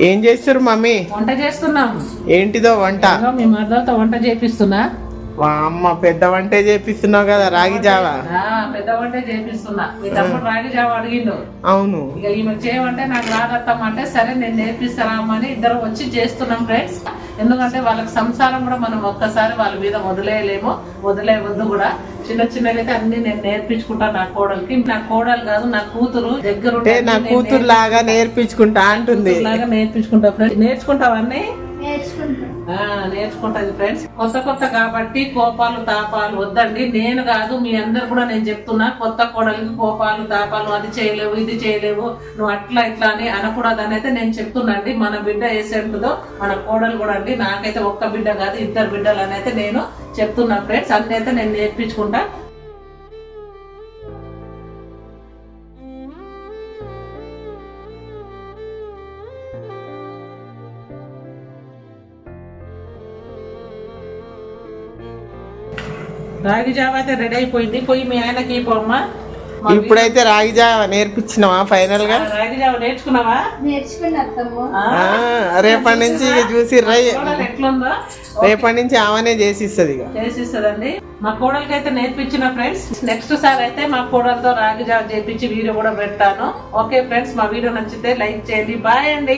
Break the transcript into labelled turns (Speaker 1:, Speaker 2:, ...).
Speaker 1: ఏం చేస్తారు మమ్మీ?
Speaker 2: వంట చేస్తున్నాము.
Speaker 1: ఏంటిదో వంట?
Speaker 2: మీ మదర్తో వంట చేపిస్తున్నా.
Speaker 1: అమ్మ పెద్ద వంటే చేపిస్తున్నావు కదా, రాగి జావా.
Speaker 2: పెద్ద వంటే చేపిస్తున్నా. మీ తమ్ముడు రాగి జావా అడిగిండు.
Speaker 1: అవును.
Speaker 2: ఇక ఈమె చేయమంటే నాకు రాదత్తమ్మంటే సరే నేను నేర్పిస్తారామని ఇద్దరం వచ్చి చేస్తున్నాం ఫ్రెండ్స్. ఎందుకంటే వాళ్ళకి సంసారం కూడా మనం ఒక్కసారి వాళ్ళ మీద వదిలేయలేము, వదిలేయవద్దు కూడా. చిన్న చిన్నగా అన్ని నేను నేర్పించుకుంటా నా కోడలికి. నా కోడలు కాదు నా కూతురు దగ్గర
Speaker 1: నా కూతురు లాగా నేర్పించుకుంటా అంటుంది.
Speaker 2: లాగా నేర్పించుకుంటా ఫ్రెండ్స్. నేర్చుకుంటావన్నీ నేర్చుకుంటది ఫ్రెండ్స్. కొత్త కాబట్టి కోపాలు తాపాలు వద్దండి. నేను కాదు మీ అందరు కూడా నేను చెప్తున్నా, కొత్త కోడలికి కోపాలు తాపాలు అది చేయలేవు ఇది చేయలేవు నువ్వు అట్లా ఇట్లా అని అనకూడదని అయితే నేను చెప్తున్నాండి. మన బిడ్డ వేసేంటుందో మన కోడలు కూడా అండి. నాకైతే ఒక్క బిడ్డ కాదు ఇద్దరు బిడ్డలు అని అయితే నేను చెప్తున్నా ఫ్రెండ్స్. అన్ని అయితే నేను నేర్పించుకుంటా. రాగి జావ అయితే రెడీ అయిపోయింది. పోయి మీ ఆయనకి పోమ్మా.
Speaker 1: ఇప్పుడైతే రాగి జావ నేర్పించినావా ఫైనల్ గా?
Speaker 2: రాగి జావ నేర్చుకున్నావా?
Speaker 1: రేపటి నుంచి ఇక చూసి
Speaker 2: ఎట్లుందో
Speaker 1: రేపటి నుంచి ఆమెనే చేసిస్తుంది. ఇక
Speaker 2: చేసిస్తుందండి. మా కోడలికి అయితే నేర్పించిన ఫ్రెండ్స్. నెక్స్ట్ సార్ అయితే మా కోడలతో రాగి జావ చేపించి వీడియో కూడా పెడతాను. ఓకే ఫ్రెండ్స్, మా వీడియో నచ్చితే లైక్ చేయండి. బాయ్ అండి.